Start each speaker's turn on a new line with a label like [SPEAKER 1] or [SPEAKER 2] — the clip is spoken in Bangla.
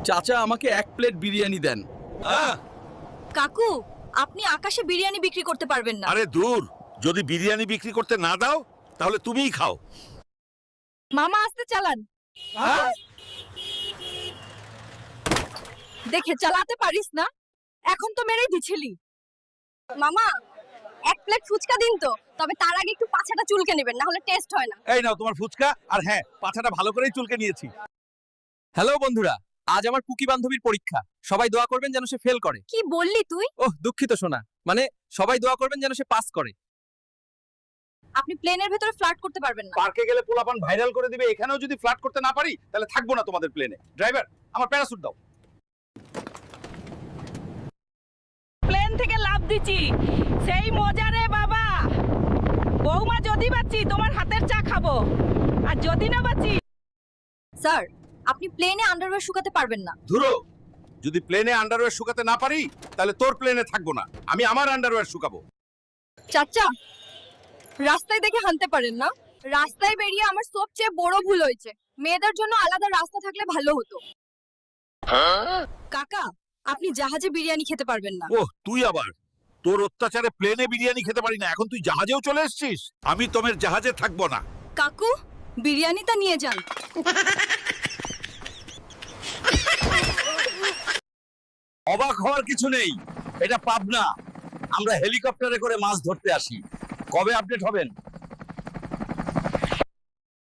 [SPEAKER 1] চাচা আমাকে 1 প্লেট বিরিয়ানি দেন।
[SPEAKER 2] কাকু, আপনি আকাশে বিরিয়ানি বিক্রি করতে পারবেন না।
[SPEAKER 3] আরে দূর, যদি বিরিয়ানি বিক্রি করতে না দাও তাহলে তুমিই খাও।
[SPEAKER 2] মামা আস্তে চালান। দেখে চালাতে পারিস না, এখন তো মেরেই দিছিলি। মামা 1 প্লেট ফুচকা দিন তো, তবে তার আগে একটু পাছাটা চুলকে নেবেন, না হলে টেস্ট হয় না।
[SPEAKER 1] এই নাও তোমার ফুচকা, আর হ্যাঁ পাছাটা ভালো করেই চুলকে নিয়েছি। হ্যালো বন্ধুরা, আজ আমার কুকি বান্ধবীর পরীক্ষা। সবাই দোয়া করবেন যেন সে ফেল করে।
[SPEAKER 2] কি বললি তুই?
[SPEAKER 1] ওহ দুঃখিত সোনা, মানে সবাই দোয়া করবেন যেন সে পাস করে।
[SPEAKER 2] আপনি প্লেনের ভেতরে ফ্লার্ট করতে পারবেন না।
[SPEAKER 1] পার্কে গেলে পোলাপান ভাইরাল করে দিবে, এখানেও যদি ফ্লার্ট করতে না পারি তাহলে থাকবো না তোমাদের প্লেনে। ড্রাইভার, আমার প্যারাসুট দাও।
[SPEAKER 4] প্লেন থেকে লাফ দিছি, সেই মজা রে বাবা। বৌমা যদি বাঁচি তোমার হাতের চা খাবো, আর যদি না বাঁচি।
[SPEAKER 2] স্যার, আপনি প্লেনে আন্ডারওয়্যার শুকাতে পারবেন না।
[SPEAKER 3] ধুরো, যদি প্লেনে আন্ডারওয়্যার শুকাতে না পারি তাহলে তোর প্লেনে থাকবো না, আমি আমার আন্ডারওয়্যার শুকাবো।
[SPEAKER 2] চাচা, রাস্তায় দেখে হানতে পারেন না। রাস্তায় বেরিয়ে আমার সবচেয়ে বড় ভুল হয়েছে। মেয়েদের জন্য আলাদা রাস্তা থাকলে ভালো হতো। কাকা, আপনি জাহাজে বিরিয়ানি খেতে পারবেন না।
[SPEAKER 3] ওহ, তুই আবার, তোর অত্যাচারে প্লেনে বিরিয়ানি খেতে পারি না, এখন তুই জাহাজেও চলে এসেছিস। আমি তোমার জাহাজে থাকবো না।
[SPEAKER 2] কাকু, বিরিয়ানিটা নিয়ে যান।
[SPEAKER 5] অবাক হওয়ার কিছু নেই, এটা পাবনা। আমরা হেলিকপ্টারে করে মাছ ধরতে আসি। কবে আপডেট হবেন?